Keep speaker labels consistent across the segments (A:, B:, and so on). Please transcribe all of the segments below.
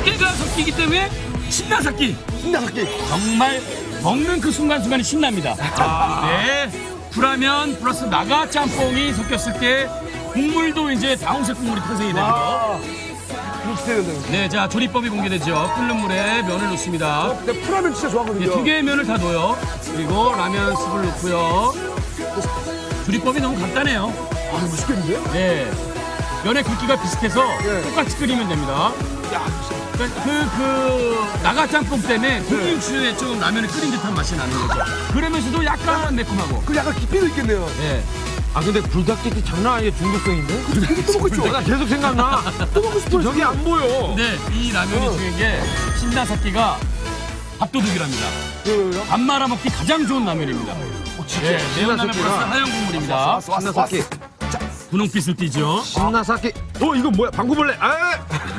A: 깨가 섞이기 때문에 신나삭기.
B: 신나삭기.
A: 정말 먹는 그 순간순간이 신납니다. 네. 굴라면 플러스 나가 짬뽕이 섞였을 때 국물도 이제 다홍색 국물이 탄생이 되고요. 네, 자 조리법이 공개되죠. 끓는 물에 면을 넣습니다.
B: 근데 풀라면 진짜 좋아하거든요.
A: 네, 두 개의 면을 다 넣어요. 그리고 라면 스프를 넣고요. 조리법이 너무 간단해요.
B: 아, 맛있겠는데요?
A: 네. 면의 굵기가 비슷해서
B: 네.
A: 똑같이 끓이면 됩니다.
B: 야,
A: 나가 짬뽕 때문에 고기 육수에 좀 라면을 끓인 듯한 맛이 나는 거죠. 그러면서도 약간 매콤하고.
B: 그 약간 깊이도 있겠네요.
A: 네.
C: 아 근데 불닭게티 장난 아니에요. 중독성인데?
B: 또 먹고 있죠?
C: 내가 계속 생각나.
B: 또 먹고 싶어요.
C: 저기 안 보여.
A: 근데 이 라면이 중요한 게 신나삭기가 밥도둑이랍니다. 밥 말아 먹기 가장 좋은 라면입니다. 네, 매운 라면 플러스 하얀 국물입니다.
C: 신나삭기.
A: 분홍빛을 띠죠.
C: 신나삭기. 이거 뭐야? 방구벌레. 아!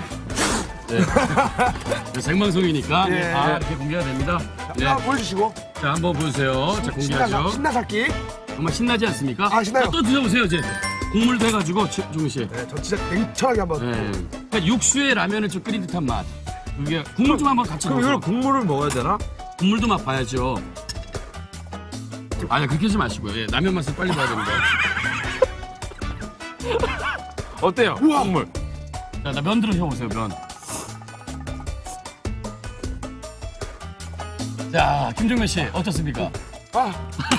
A: 네, 생방송이니까
B: 예.
A: 다 이렇게 공개가 됩니다. 네.
B: 자, 보여주시고.
A: 자, 한번 보세요. 자, 공개하죠.
B: 신나삭기.
A: 정말 신나지 않습니까?
B: 아, 신나요.
A: 자, 또 드셔보세요, 이제. 국물도 해가지고, 종민 씨.
B: 네, 저 진짜 냉철하게 한번.
A: 네. 그러니까 육수에 라면을 좀 끓인 듯한 맛. 이게 국물 좀 한번 같이
C: 그럼
A: 넣어서.
C: 이걸 국물을 먹어야 되나?
A: 국물도 맛봐야죠. 아니, 그렇게 하지 마시고요. 예, 라면 맛을 빨리 봐야 됩니다.
C: 어때요?
B: 우와.
C: 국물.
A: 자, 나 면 들어셔보세요, 면. 자, 김종민 씨, 어떻습니까?
B: 아.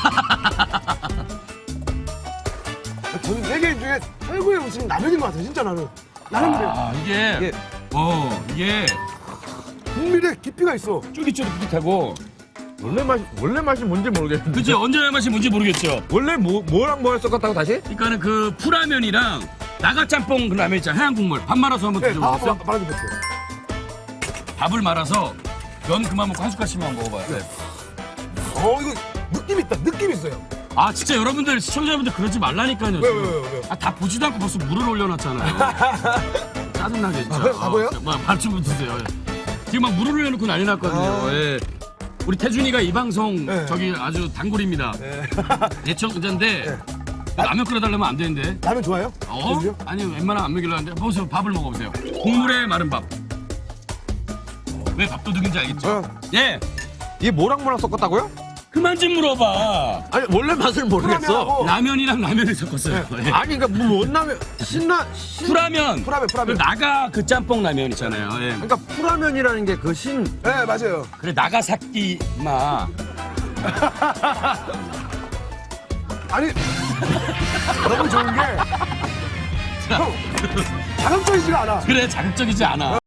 B: 저는 세계 중에 최고의 음식은 라면인 것 같아요, 진짜 나는. 라면이래요.
A: 아, 이게, 이게
B: 국물에 깊이가 있어.
A: 쫄깃쫄깃하고.
C: 원래 맛이 뭔지 모르겠는데.
A: 그치, 언제 맛이 뭔지 모르겠죠.
C: 원래 뭐랑 뭘 섞었다고 다시?
A: 그러니까는 그 풀라면이랑 나가짬뽕 그 라면 있잖아, 하얀 국물. 밥 말아서 한번
B: 네,
A: 드셔보세요.
B: 말아주세요.
A: 밥을 말아서 면 그만 먹고 한 숟갈씩만 먹어봐요. 네.
B: 이거 느낌 있다. 느낌 있어요.
A: 아, 진짜 여러분들, 시청자분들 그러지 말라니까요.
B: 왜?
A: 아, 다 보지도 않고 벌써 물을 올려놨잖아요. 짜증나게 진짜.
B: 바보예요?
A: 말좀 드세요. 예. 지금 막 물을 올려놓고 난리 났거든요. 예. 우리 태준이가 이 방송
B: 네.
A: 저기 아주 단골입니다. 애청자인데
B: 네.
A: 라면 끓여달라면 안 되는데.
B: 라면 좋아해요? 저도요?
A: 아니 웬만하면 안 먹이려는데 보세요. 밥을 먹어보세요. 국물에 마른 밥. 왜 밥도둑인지 알겠죠? 예.
C: 이게 뭐랑 섞었다고요?
A: 그만 좀 물어봐.
C: 아니 원래 맛을 모르겠어.
B: 풀라면하고
A: 라면이랑 라면을 섞었어요. 예.
C: 아니 그러니까 뭐 원라면
A: 풀라면.
B: 풀라면.
A: 그 나가 그 짬뽕 라면 있잖아요. 예.
C: 그러니까 풀라면이라는 게 그 신.
B: 네, 맞아요.
A: 그래 나가사키 마.
B: 아니, 너무 좋은 게 형, 자극적이지가 않아.
A: 그래 자극적이지 않아.